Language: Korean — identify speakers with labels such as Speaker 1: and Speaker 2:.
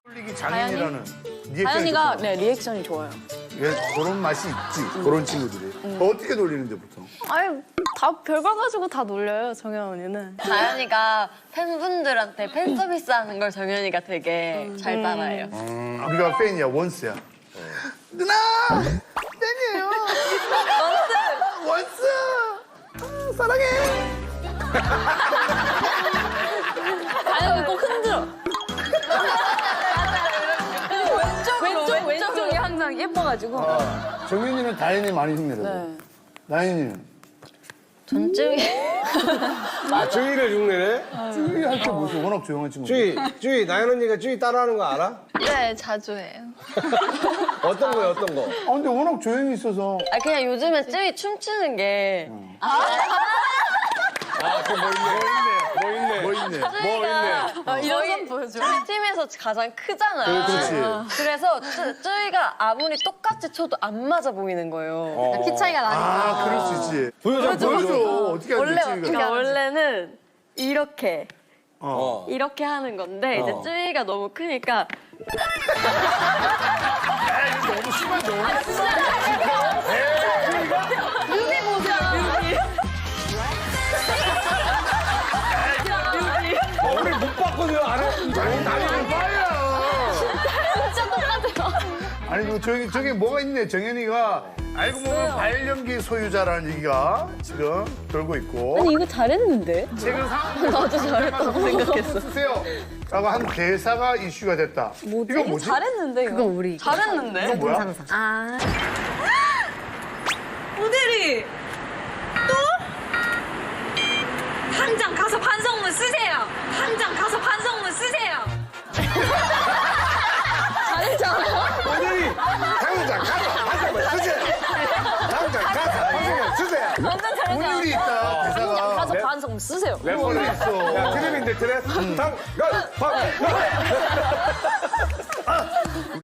Speaker 1: 돌리기 장인이라는 리액션이
Speaker 2: 다현이가
Speaker 1: 좋구나.
Speaker 2: 네 리액션이 좋아요.
Speaker 1: 예, 그런 맛이 있지. 그런 친구들이. 어떻게 돌리는데 보통?
Speaker 2: 아니 다 별걸 가지고 다 놀려요 정현 언니는.
Speaker 3: 다현이가 팬분들한테 팬 서비스하는 걸 정현이가 되게 잘 따라해요.
Speaker 1: 우리가 팬이야, 원스야. 누나! 팬이에요. 원스! 원스! 아, 사랑해!
Speaker 2: 다현이 꼭 흔들어. 왼쪽이 항상 예뻐가지고.
Speaker 1: 정윤이는 다현이 많이 흉내내고.
Speaker 2: 네.
Speaker 1: 나연이는?
Speaker 3: 전쯤이
Speaker 4: 아, 주희를 흉내내?
Speaker 1: 쭈이 할 때 무슨 워낙 조용한 친구.
Speaker 4: 주희, 나연 언니가 주희 따라하는 거 알아?
Speaker 3: 네 자주 해요.
Speaker 4: 어떤 거요, 어떤 거?
Speaker 1: 아, 근데 워낙 조용히 있어서.
Speaker 3: 아 그냥 요즘에 쯔위 춤추는 게
Speaker 4: 아, 그뭐 있네.
Speaker 1: 뭐 있네.
Speaker 3: 쯔위가
Speaker 2: 이런 건 보여줘.
Speaker 3: 저희 팀에서 가장 크잖아요.
Speaker 1: 그렇지.
Speaker 3: 그래서 쯔위가 아무리 똑같이 쳐도 안 맞아 보이는 거예요. 키 차이가 나니까.
Speaker 1: 아, 그럴 수 있지.
Speaker 4: 보여줘.
Speaker 1: 보여줘. 어떻게 하는지
Speaker 3: 원래
Speaker 1: 쭈이가.
Speaker 3: 그러니까 원래는 이렇게
Speaker 4: 어.
Speaker 3: 이렇게 하는 건데 이제 쯔위가 너무 크니까
Speaker 1: 너무 심한데.
Speaker 4: 우리 못 봤거든요, 알아?
Speaker 1: 나는 빠야.
Speaker 2: 진짜 똑같아요.
Speaker 1: 아니, 뭐 저기 뭐가 있네. 정현이가 알고 보면 발연기 소유자라는 얘기가 지금 돌고 있고.
Speaker 2: 아니 이거 잘했는데?
Speaker 1: 최근 상황
Speaker 2: 나도 잘했다고 생각했어.
Speaker 1: 쓰세요. 라고 한 대사가 이슈가 됐다. 이거 뭐지?
Speaker 2: 잘했는데 이거.
Speaker 5: 우리
Speaker 3: 잘했는데?
Speaker 1: 이거 뭐야?
Speaker 5: 모델이 또? 당장 가서 반성문 쓰세요. 당장 가서 반성문 쓰세요.
Speaker 4: 오늘이 당장 가서 한번 쓰세요. 당장 가서 한번 쓰세요.
Speaker 2: 완전 잘했잖아.
Speaker 1: 운율이 있다, 대사가.
Speaker 2: 가서 반성 쓰세요.
Speaker 1: 래퍼는 있어.
Speaker 4: 야, 트랩인데 트랩. 당장 가.